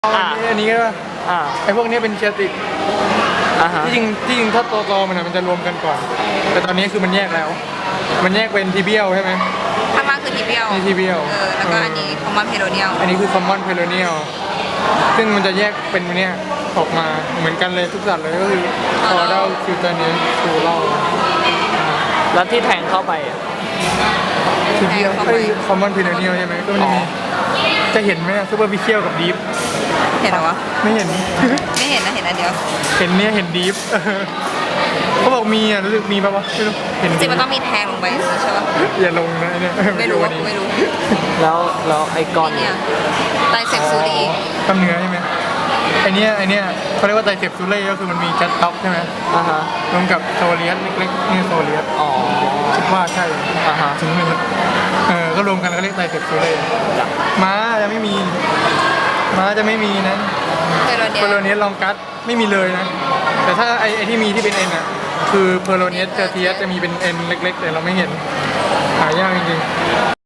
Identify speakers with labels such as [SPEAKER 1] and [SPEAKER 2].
[SPEAKER 1] อันนี้ก็ไอพวกนี้เป็นเชียติกที่จริงถ้าตัวมันจะรวมกันก่อนแต่ตอนนี้คือมันแยกแล้วมันแยกเป็นทีเบียลใช่ไหม
[SPEAKER 2] ข้างล่างคือทีเบียล
[SPEAKER 1] นี่ทีเบียล
[SPEAKER 2] แล้วก็อันนี้คอมมอนเพโลเนียล
[SPEAKER 1] อันนี้คือคอมมอนเพโลเนียลซึ่งมันจะแยกเป็นเนี้ยออกมาเหมือนกันเลยทุกสัตว์เลยก็คือคอเดาคิวเตเนียซูเล่า
[SPEAKER 3] แล้วที่แทงเข้าไป
[SPEAKER 1] ทีเบียลคอมมอนเพโลเนียลใช่ไหมก็มันจะเห็นไหมซูเปอร์ฟิเชียลกับดีฟ
[SPEAKER 2] เห็นหรอวะ
[SPEAKER 1] ไม่เห็น
[SPEAKER 2] ไม่เห็นนะเห็นอันเดียว
[SPEAKER 1] เห็นเนี้ยเห็นดีฟเขาบอกมีอ่ะรู้สึกมีป่ะวะไม่รู้เห็น
[SPEAKER 2] จริงมันต้องมีแทงลงไปใช่ปะ
[SPEAKER 1] อย่าลงนะเนี่ย
[SPEAKER 2] ไม่รู้
[SPEAKER 3] แล้วไอ้ก้อน
[SPEAKER 2] เนี่ยไตเซปซูรี
[SPEAKER 1] กล้ามเนื้อใช่ไหมไอเนี้ยเขาเรียกว่าไตเซปซูเล่ก็คือมันมีจัดท็อกใช่ไหมรวมกับโซเลียสเล็กๆนี่โซเลียสคิดว่าใช่ถึงเลยก็รวมกันก็เรียกไตเซปซูเล่ม้าจะไม่มีนะเพโลเนียสลองกัสไม่มีเลยนะแต่ถ้าไอที่มีที่เป็นเอ็นอ่ะคือเพโลเนียสเทอร์เทียสจะมีเป็นเอ็นเล็กๆแต่เราไม่เห็นหายากจริงๆ